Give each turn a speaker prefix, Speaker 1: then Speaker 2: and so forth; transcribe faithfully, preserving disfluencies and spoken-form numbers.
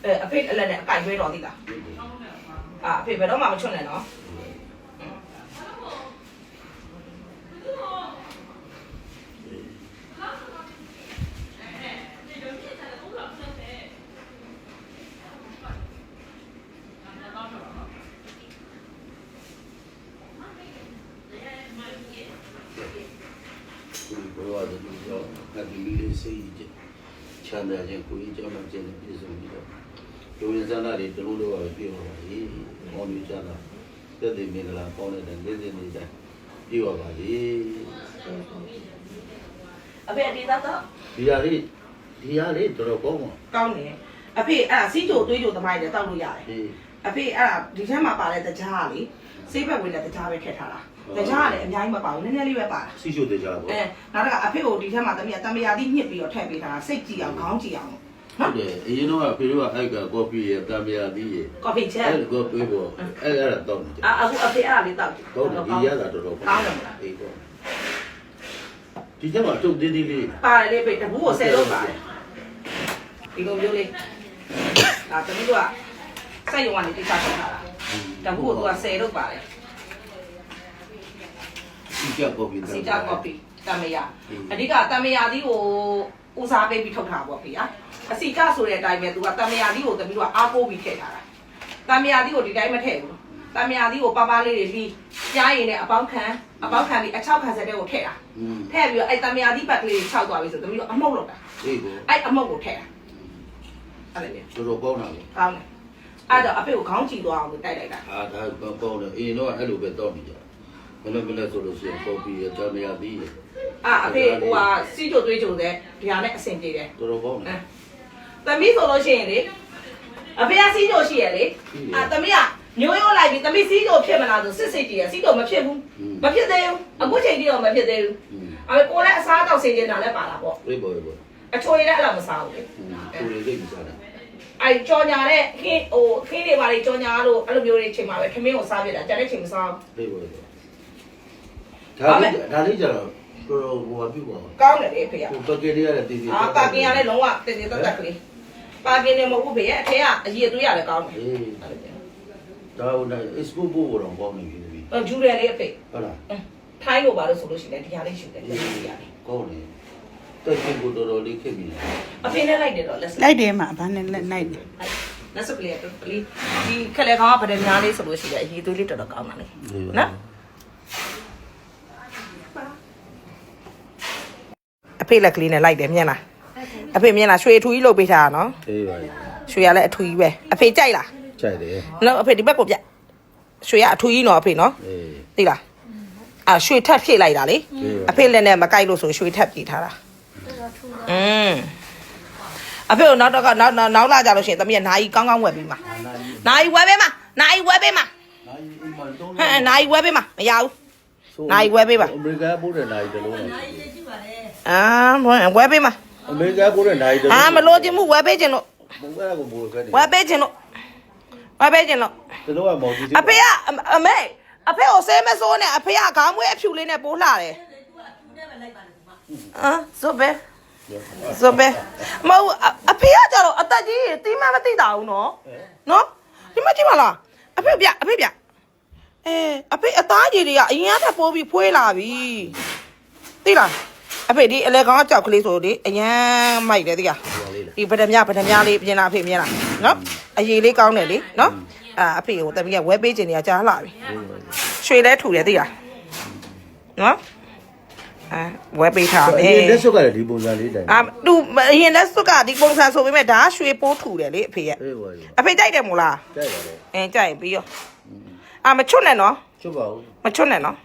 Speaker 1: အဲအဖေအလက်နဲ့အကင်ရွေးတော်သိလားအာအဖေဘယ်တော့မှမချွတ်နဲ့နော်
Speaker 2: ဘဝတည်းကတော့ငါဒီလေးစိတ်ချမ်းသာခြင်းကိုယ်ကြောင့်မှကျင်းပြည့်စုံပြီးတော့လူရင်းစားတွေတလုံးတော့ပြေပါပါလေ။ဟောနေကြတာတက်တဲ့မင်္ဂလာပေါင်းတဲ့နေ့စဉ်နေ့တိုင်းပြေပါပါလေ
Speaker 1: အဖေဒီသားတော့
Speaker 2: ဒီဟာလေးဒီဟာလေးတော်တော်ကောင်းပါ
Speaker 1: ကောင်းတယ်အဖေအဲ့ဒါစီးကြိုတွေးကြိုသမိုင်းလည်းတောက်လို့ရတယ်အဖေအဲ့ဒါဒီထဲမှာပါတဲ့တကြားကလေစိတ်ဘက်ဝင်တဲ့တကြားပဲထည့်ထားတာတကြားကလည်းအများကြီးမပါဘူးနည်းနည်းလေးပဲပါတာ
Speaker 2: စီချိုတကြားပေါ့
Speaker 1: အဲနောက်တော့အဖေကိုဒီထဲမှာတမီးတမယာတိညှစ်ပြီးတော့ထည့်ပေးထားတာစိတ်ကြည့်အောင်ခေါင်းကြည့်အောင်
Speaker 2: ဟုတ်တယ်အရင်တော့ဖေတို့ကအဲ့ကကော်ဖီရတမယာတိရ
Speaker 1: ကော်ဖီချက်
Speaker 2: အဲ့ကော်ဖီပေါ့အဲ့အဲ့ဒါတော့
Speaker 1: အာအခုအဖေအဲ့ဒါလေးတောက်
Speaker 2: ဟုတ်တယ်ဒီရတာတော်တော်ကောင်းတယ်အေးပေါ့ဒီကျမှတုတ်သေးသေးလေး
Speaker 1: ပါတယ်လေဖေတဘူးကိုဆယ်လို့ပါတယ်ဒီလိုမျိုးလေးဒါတမီးကစိုက်ရုံကနေတိကျထားတာတဘူးကိုသူကဆယ်လို့ပါတယ်
Speaker 2: စီကြကော်ဖီ
Speaker 1: စီကြကော်ဖီတမယာအဓိကတမယာဒီကိုဦးစားပေးပြီးထုတ်ထားပါဖေဟာအစီကြဆိုတဲ့အတိုင်းပဲသူကတမယာဒီကိုတမီးကအားကိုးပြီးထည့်ထားတာတမယာဒီကိုဒီတိုင်းမထည့်ဘူးတမယာဒီကိုပါပါလေးတွေပြီးကြားရင်လည်းအပေါင်းခံအပေါင်းခံပြီးအချောက်ခံစက်တဲ့ကိုထည့်တာထည့်ပြီးတော့အဲ့တမယာဒီပတ်ကလေးခြောက်သွားပြီဆိုတမီးကအမှုတ်လောက်တာ
Speaker 2: အေးကို
Speaker 1: အဲ့အမှုတ်ကိုထည့်တာအဲ့လေ
Speaker 2: တော်တော်ကောင်းတာလေ
Speaker 1: ကောင်းတယ်အဲ့တော့အဖေကိုခေါင်းကြည့်သွားအောင်တိုက်လိုက်တာ
Speaker 2: အာဒါကောင်းကောင်းတယ်အရင်တော့အဲ့လိုပဲတောက်နေကြမနေ့မနေ့ဆိုလို့ရှိရင်ကော်ဖီရတမယာတိရ
Speaker 1: အာအဖေဟိုဟာစီးကြိုတွေးကြိုတဲ့ဒီဟာနဲ့အဆင်ပြေတယ်
Speaker 2: တော်တော်ကောင်းတယ်
Speaker 1: သမီးဆိုလို့ရှိရင်လေအဖေကစီးကြိုရှိရလေအာသမီးကမျိုးရိုးလိုက်ပြီးသမီးစီးကြိုဖြစ်မလားဆိုစစ်စစ်ကြည့်ရစီးကြိုမဖြစ်ဘူးမဖြစ်သေးဘူးအခုချိန်ထိတော့မဖြစ်သေးဘူးအဲ့ကိုလည်းအစားတောက်ဆင်နေတာလည်းပါတာပေါ့
Speaker 2: အေးပေါ့အေးပေါ့
Speaker 1: အချိုရည်လည်းအဲ့လိုမစားဘူးလေ
Speaker 2: ချိုရည်လေးမစားနဲ့
Speaker 1: အဲ့ကြော်ညာတဲ့ခင်းဟိုခင်းတွေပါလေကြော်ညာလို့အဲ့လိုမျိုးတွေချိန်မှာပဲခမင်းကိုစားပြတာကြတဲ့ချိန်မစား
Speaker 2: ဘူးအေးပေါ့အေးပေါ့ဒါလေးဒါလေးကြတော့တော်တော်ဟိုဟာပြုပါ
Speaker 1: ကောင်းတယ်လေဖေက
Speaker 2: ဟိုပကယ်လေးရတယ်တည်တည်
Speaker 1: အာပါကင်ရလည်းလုံးဝတည်တည်တက်တက်ကလေးပါကင်နေမဟုတ်ဘူးဖေရဲ့အထဲကအရည်အသွေးရလည်းကောင်းတယ်
Speaker 2: အေးဒါဟိုဒါ export ပို့ပေါ်တော့ကောင်းနေပြီပြီ
Speaker 1: ဂျူရယ်လေးအဖေ
Speaker 2: ဟုတ်လား
Speaker 1: ထိုင်းလိုပါလို့ဆိုလို့ရှိရင်ဒီဟာလေးရှူတယ်တည်တည်ရတယ်
Speaker 2: ကောင်းတယ်တက်ချင်းကိုတော်တော်လေးခက်ပြီ
Speaker 1: အဖေနဲ့လိုက်တယ်တော့လက်စ
Speaker 3: လိုက်တယ်မှာဘာနဲ့လိုက်လိုက်တယ်
Speaker 1: လက်စကလေးကလေးဒီခက်လေခေါင်းကဗဒများလေးဆိုလို့ရှိရင်အရည်အသွေးလေးတော်တော်ကောင်းပါလေနော်အဖေလက်ကလေးနဲ့လိုက်တယ်မြင်လားအဖေမြင်လားရွှေအထူကြီးလုပ်ပေးထားတာနော်
Speaker 2: အေးပါ
Speaker 1: ရွှေရလည်းအထူကြီးပဲအဖေကြိုက်လား
Speaker 2: ကြိုက်တယ်
Speaker 1: နော်အဖေဒီဘက်ကိုပြရွှေရအထူကြီးနော်အဖေနော်
Speaker 2: အေး
Speaker 1: သိလားအာရွှေထပ်ဖြည့်လိုက်တာလေအဖေလည်းနဲ့မကြိုက်လို့ဆိုရွှေထပ်ဖြည့်ထားတာอืมအဖေကိုနောက်တော့ကနောက်နောက်လာကြလို့ရှိရင်သမီးကနာယီကောင်းကောင်းဝယ်ပေးမှာနာယီဝယ်ပေးမှာနာယီဝယ်ပေးမှာဟဲ့နာယီဝယ်ပေးမှာမရဘူးနာယီဝယ်ပေးပါ
Speaker 2: အမေရိကန်ပို့တဲ့နာယီတလုံးလား
Speaker 1: အာဝယ်ပေးမှာ
Speaker 2: အမေရိကန်ပို့တဲ့နာယီတလုံး
Speaker 1: အာမလို့ခြင်းမှုဝယ်ပေးခြင်းလို့
Speaker 2: ဘုံကလည်းကိုဘိုးခဲ့တယ်
Speaker 1: ဝယ်ပေးခြင်းလို့ဝယ်ပေးခြင်းလို့
Speaker 2: တလုံးကမော်ကြီး
Speaker 1: အဖေကအမေအဖေကိုဆဲမစိုးနဲ့အဖေကခေါင်းမွေးအဖြူလေးနဲ့ပိုးလှတယ်အာဆိုပဲဆိုပဲမဟုတ်အဖေကကြတော့အသက်ကြီးတီးမမသိတာဘူးနော်နော်ဒီမကြည့်မလားအဖေပြအဖေပြအဲအဖေအသားကြီးတွေကအရင်ကထပ်ပိုးပြီးဖွေးလာပြီသိလားအဖေဒီအလဲကောင်ကြောက်ကလေးဆိုလေအရန်မိုက်တယ်သိလားဒီဗဒမြဗဒမြလေးပြင်လာအဖေမြင်လားနော်အရေးလေးကောင်းတယ်လေနော်အာအဖေကိုတမီးကဝဲပေးခြင်းတွေကကြားလာပြီရွှေလဲထူတယ်သိလားနော်အဲဝဲပေးထားတယ်
Speaker 2: အရင်လက်စွပ်ကလည်းဒီပုံစံလေးတိုင်
Speaker 1: အာသူအရင်လက်စွပ်ကဒီပုံစံဆိုပေမဲ့ဒါရွှေပိုးထူတယ်လေအဖေရဲ့အဖေကြိုက်တယ်မို့လား
Speaker 2: ကြိုက်ပါလေ
Speaker 1: အဲကြိုက်ပြီးရောအာမချွတ်နဲ့နော်
Speaker 2: ချွတ်ပါဦး
Speaker 1: မချွတ်နဲ့နော်